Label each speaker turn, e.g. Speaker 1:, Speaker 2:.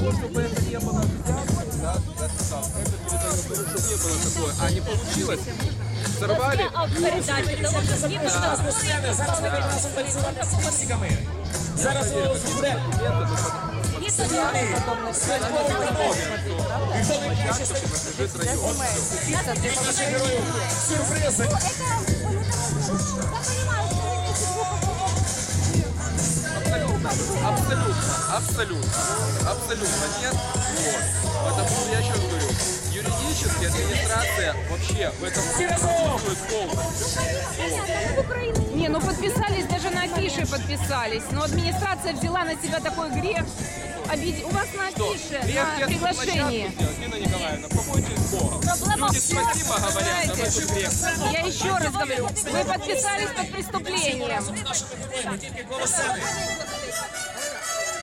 Speaker 1: чтобы это не было взято, да, это передает, чтобы не было такое, а не получилось, сорвали.
Speaker 2: Зараз у нас буде сюрпризи.
Speaker 1: Абсолютно нет. Вот. Потому что я еще раз говорю, юридически администрация вообще в этом присутствует полностью. Вот.
Speaker 3: Не, ну подписались, даже на афише подписались. Но администрация взяла на себя такой грех. У вас на афише, на приглашении.
Speaker 1: Нина Николаевна, побойтесь Бога. Люди спасибо говорят за этот грех.
Speaker 3: Я еще раз говорю, вы подписались под преступлением.